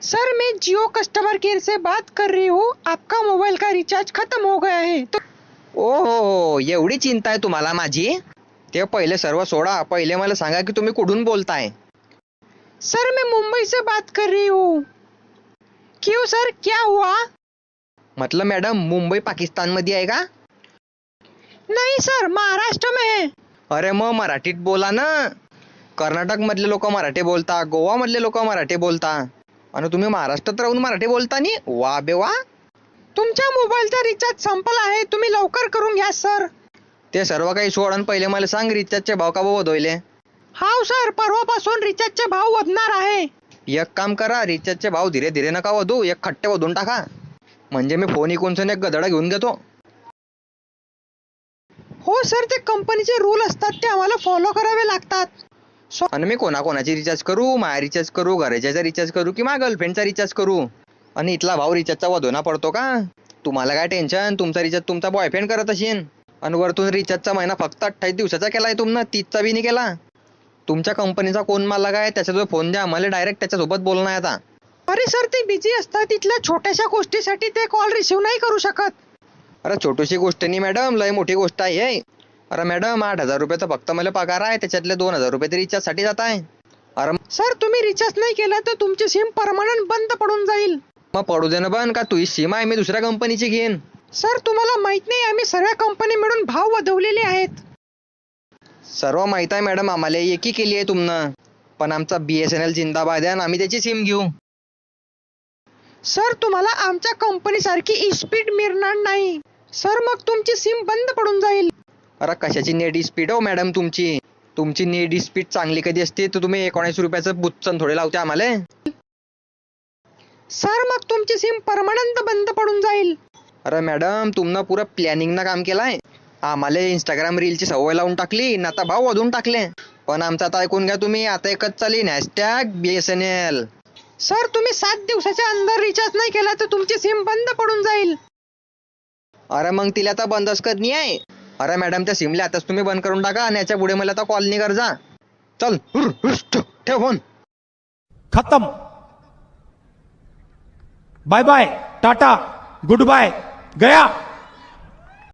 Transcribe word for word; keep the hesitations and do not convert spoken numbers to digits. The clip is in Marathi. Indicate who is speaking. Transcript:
Speaker 1: सर मैं जियो कस्टमर केयर से बात कर रही हूँ, आपका मोबाइल का रिचार्ज खत्म हो गया है तो।
Speaker 2: ओ एवढी चिंता आहे तुम्हाला माझी? ते पहिले सर्व सोडा, पहिले मला सांगा की तुम्ही कुठून बोलताय?
Speaker 1: सर मैं मुंबई से बात कर रही हूँ। क्यों सर, क्या हुआ?
Speaker 2: मतलब मॅडम मुंबई पाकिस्तान मध्ये आहे का?
Speaker 1: नहीं सर, महाराष्ट्र में है।
Speaker 2: अरे मग मराठीत बोला ना. कर्नाटक मधले लोक मराठी बोलता, गोवा मधले लोक मराठी बोलता, आणि तुम्ही महाराष्ट्रात राहून मराठी बोलता नी? वा बे वा.
Speaker 1: तुमच्या मोबाईलचा रिचार्ज संपला आहे, तुम्ही लवकर करून घ्या सर.
Speaker 2: ते सर्व काही सोड आणि पहिले मला सांग रिचार्जचे भाव का बदलले?
Speaker 1: हाव सर, परवापासून रिचार्जचे भाव वाढणार आहे.
Speaker 2: एक काम करा, रिचार्जचे भाव धीरे धीरे नका वधू, एक खट्टे वधून टाका, म्हणजे मी फोन इकून एक गदडा घेऊन घेतो.
Speaker 1: हो सर, ते कंपनीचे रूल असतात, ते आम्हाला फॉलो करावे लागतात.
Speaker 2: आणि मी कोणाकोणाची रिचार्ज करू? माया रिचार्ज करू, घराच्याचा रिचार्ज करू की माझ्या गर्लफ्रेंडचा रिचार्ज करू? आणि इथला भाव रिचार्जचा वधोना पडतो का? तुम्हाला काय टेन्शन, तुमचा रिचार्ज तुमचा बॉयफ्रेंड करत असेल, आणि वरतून रिचार्जचा महिना फक्त अठ्ठावीस दिवसाचा केलाय तुमनं, तीसचा बी नाही केला. तुमच्या कंपनीचा कोण मालक आहे त्याच्याजवळ फोन द्या, मला डायरेक्ट त्याच्यासोबत बोलणं आहे आता.
Speaker 1: अरे सर, ते बिझी असतात, इथल्या छोट्याशा गोष्टीसाठी ते कॉल रिसिव्ह नाही करू शकत.
Speaker 2: अरे छोटीशी गोष्ट नाही मॅडम, लय मोठी गोष्ट आहे. अरे मॅडम आठ हजार रुपयाचा फक्त मला पगार आहे, त्याच्यातले दोन हजार रुपये रिचार्ज साठी जात आहे. अरे
Speaker 1: सर, तुम्ही रिचार्ज नाही केला तर तुमची सिम परमनंट बंद पडून जाईल.
Speaker 2: मग पडू दे ना बन, का तुझी सीमा आहे मी दुसऱ्या कंपनीची घेईन.
Speaker 1: सर, तुम्हाला माहित नाही, आम्ही सर्व कंपनी मिळून भाव वाढवलेले आहेत.
Speaker 2: सर्व माहित आहे मॅडम आम्हाला, एकी केली आहे तुमनं, पण आमचा बीएसएनएल जिंदाबाद आहे आणि आम्ही त्याची सिम घेऊ.
Speaker 1: सर, तुम्हाला आमच्या कंपनी सारखी स्पीड मिळणार नाही सर, मग तुमची सिम बंद पडून जाईल.
Speaker 2: अरे कशाची नेट स्पीड हो मॅडम तुमची? तुमची नेट स्पीड चांगली कधी असते तर तुम्ही एकोणीस रुपयाचं बुच्चन थोडे लावते आम्हाला.
Speaker 1: सर, मग तुमची सिम परमनंट बंद पडून जाईल.
Speaker 2: अरे मॅडम तुमनं पुरं प्लॅनिंग ना काम केलाय. आम्हाला इंस्टाग्राम रीलची सवय लावून टाकली ना, आता भाव वाढवून टाकले. पण आमचं आता ऐकून घ्या तुम्ही, आता एकच चालीन हॅशटॅग बीएसएनएल.
Speaker 1: सर, तुम्ही सात दिवसाच्या अंदर रिचार्ज नाही केला तर तुमची सिम बंद पडून जाईल.
Speaker 2: अरे मग तिला आता बंदच करणी आहे. अरे मॅडम त्या सिमला आताच तुम्ही बंद करून टाका, आणि याच्या पुढे मला आता कॉल नाही कर जा. चल हुर, हुश, ठेव ठेव फोन.
Speaker 3: खत्म. Bye bye, tata, good bye, गया.